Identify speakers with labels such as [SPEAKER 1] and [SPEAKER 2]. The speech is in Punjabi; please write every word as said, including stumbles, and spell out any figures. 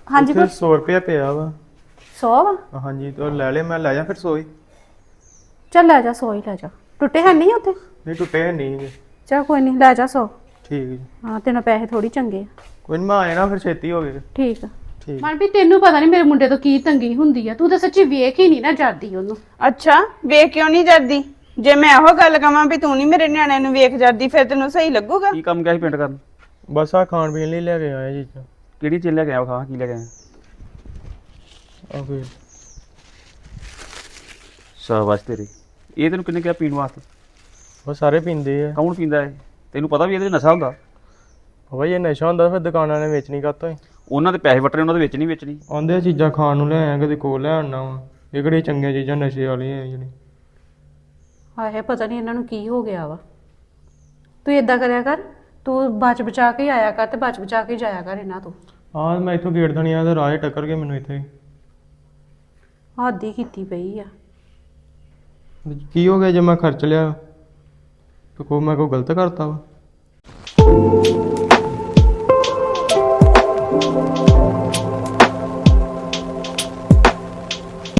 [SPEAKER 1] ਹਾਂਜੀ
[SPEAKER 2] ਫਿਰ सौ रुपया ਪਿਆ ਵਾ
[SPEAKER 1] ਸੌ ਵਾ
[SPEAKER 2] ਹਾਂਜੀ तो ਲੈ ਲੈ ਮੈਂ ਲੈ ਜਾ ਫਿਰ सौ ਹੀ
[SPEAKER 1] ਚੱਲ ਲੈ ਜਾ ਸੌ ਹੀ ਲੈ ਜਾ ਟੁੱਟੇ ਹੈ ਨਹੀਂ ਉੱਥੇ
[SPEAKER 2] ਨਹੀਂ ਟੁੱਟੇ ਨਹੀਂ ਗੇ।
[SPEAKER 1] ਚੱਲ ਕੋਈ ਨਹੀਂ ਲੈ ਜਾ ਸੌ
[SPEAKER 2] ਠੀਕ ਜੀ
[SPEAKER 1] ਹਾਂ ਤੈਨੂੰ ਪੈਸੇ ਥੋੜੀ ਚੰਗੇ ਆ
[SPEAKER 2] ਕੋਈ ਨਹੀਂ ਮੈਂ ਆ ਜਾਣਾ ਫਿਰ ਛੇਤੀ ਹੋ ਗਏ
[SPEAKER 1] ਠੀਕ ਆ
[SPEAKER 2] ਠੀਕ
[SPEAKER 1] ਮਨਪ੍ਰੀਤ ਤੈਨੂੰ ਪਤਾ ਨਹੀਂ ਮੇਰੇ ਮੁੰਡੇ ਤੋਂ ਕੀ ਤੰਗੀ ਹੁੰਦੀ ਆ ਤੂੰ ਤਾਂ ਸੱਚੀ ਵੇਖ ਹੀ ਨਹੀਂ ਨਾ ਜਾਂਦੀ ਉਹਨੂੰ
[SPEAKER 3] ਅੱਛਾ ਵੇਖ ਕਿਉਂ ਨਹੀਂ ਜਾਂਦੀ ਜੇ ਮੈਂ ਇਹੋ ਗੱਲ ਕਵਾਂ ਵੀ ਤੂੰ ਨਹੀਂ ਮੇਰੇ ਨਿਆਣਿਆਂ ਨੂੰ ਵੇਖ ਜਾਂਦੀ ਫਿਰ ਤੈਨੂੰ ਸਹੀ ਲੱਗੂਗਾ
[SPEAKER 4] ਕੀ ਕੰਮ ਗਿਆ ਸੀ ਪਿੰਡ ਕਰਨ
[SPEAKER 2] ਬਸ ਆ ਖਾਣ ਪੀਣ ਲਈ ਲੈ ਕੇ ਆਏ ਜੀ
[SPEAKER 4] ਕਿਹੜੀ ਚੀਜ਼ ਲੈ ਕੇ ਆਇਆ ਖਾ ਕੀ ਲੈ ਕੇ ਆਇਆ
[SPEAKER 2] ਆ ਕੋਈ
[SPEAKER 4] ਸ਼ਾਬਾਸ਼ ਤੇਰੀ ਇਹ ਤੈਨੂੰ ਕਿੰਨੇ ਕਿਹਾ ਪੀਣ ਵਾਸਤੇ
[SPEAKER 2] ਉਹ ਸਾਰੇ ਪੀਂਦੇ ਆ
[SPEAKER 4] ਕੌਣ ਪੀਂਦਾ ਹੈ ਤੈਨੂੰ ਪਤਾ ਵੀ ਇਹਦੇ 'ਚ ਨਸ਼ਾ ਹੁੰਦਾ
[SPEAKER 2] ਬਾਬਾ ਇਹ ਨਸ਼ਾ ਹੁੰਦਾ ਫਿਰ ਦੁਕਾਨਾਂ ਨੇ ਵੇਚਣੀ ਕਾਤੋਂ ਹੀ
[SPEAKER 4] ਉਹਨਾਂ ਦੇ ਪੈਸੇ ਵੱਟਣੇ ਉਹਨਾਂ ਦੇ ਵਿੱਚ ਨਹੀਂ ਵੇਚਣੀ
[SPEAKER 2] ਆਉਂਦੇ ਆ ਚੀਜ਼ਾਂ ਖਾਣ ਨੂੰ ਲੈ ਆਇਆ ਕਦੇ ਕੋਲ ਲੈ ਆਉਣਾ ਵਾ ਇਹ ਕਿਹੜੀਆਂ ਚੰਗੀਆਂ ਚੀਜ਼ਾਂ ਨਸ਼ੇ ਵਾਲੀਆਂ ਆ ਜਿਹੜੀ
[SPEAKER 1] ਹਾਏ ਪਤਾ ਨਹੀਂ ਇਹਨਾਂ ਨੂੰ ਕੀ ਹੋ ਗਿਆ ਵਾ ਤੂੰ ਏਦਾਂ ਕਰਿਆ ਕਰ ਤੂੰ ਬਚ ਬਚਾ ਕੇ ਆਇਆ ਕਰ ਤੇ ਬਚ ਬਚਾ ਕੇ ਜਾਇਆ ਕਰ ਇਹਨਾਂ ਤੋਂ
[SPEAKER 2] ਹਾਂ ਮੈਂ ਇੱਥੋਂ ਗੇਟ ਥਣੀ ਆ ਤੇ ਰਾਹ 'ਚ ਟੱਕਰ ਕੇ ਮੈਨੂੰ ਇੱਥੇ
[SPEAKER 1] ਹੱਦ ਹੀ ਕੀਤੀ ਪਈ ਆ
[SPEAKER 2] ਕੀ ਹੋ ਗਿਆ ਜੇ ਮੈਂ ਖਰਚ ਲਿਆ ਤੇ ਕੋ ਮੈਂ ਕੋਈ ਗਲਤ ਕਰਤਾ ਵਾ